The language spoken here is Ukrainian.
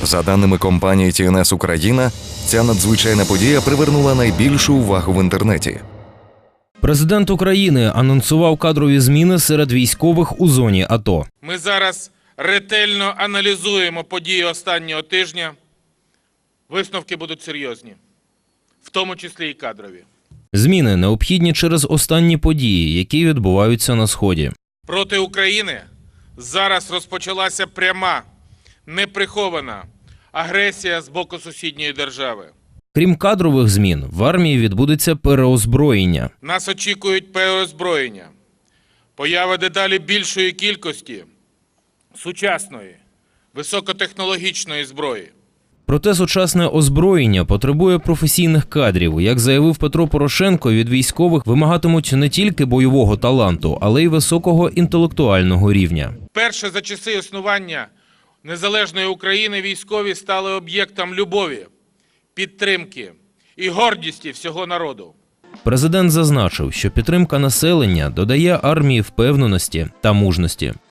За даними компанії TNS Україна, ця надзвичайна подія привернула найбільшу увагу в інтернеті. Президент України анонсував кадрові зміни серед військових у зоні АТО. Ми зараз ретельно аналізуємо події останнього тижня. Висновки будуть серйозні, в тому числі і кадрові. Зміни необхідні через останні події, які відбуваються на Сході. Проти України зараз розпочалася пряма, неприхована агресія з боку сусідньої держави. Крім кадрових змін, в армії відбудеться переозброєння. Нас очікують переозброєння, поява дедалі більшої кількості сучасної, високотехнологічної зброї. Проте сучасне озброєння потребує професійних кадрів. Як заявив Петро Порошенко, від військових вимагатимуть не тільки бойового таланту, але й високого інтелектуального рівня. Перше за часи існування незалежної України військові стали об'єктом любові, підтримки і гордості всього народу. Президент зазначив, що підтримка населення додає армії впевненості та мужності.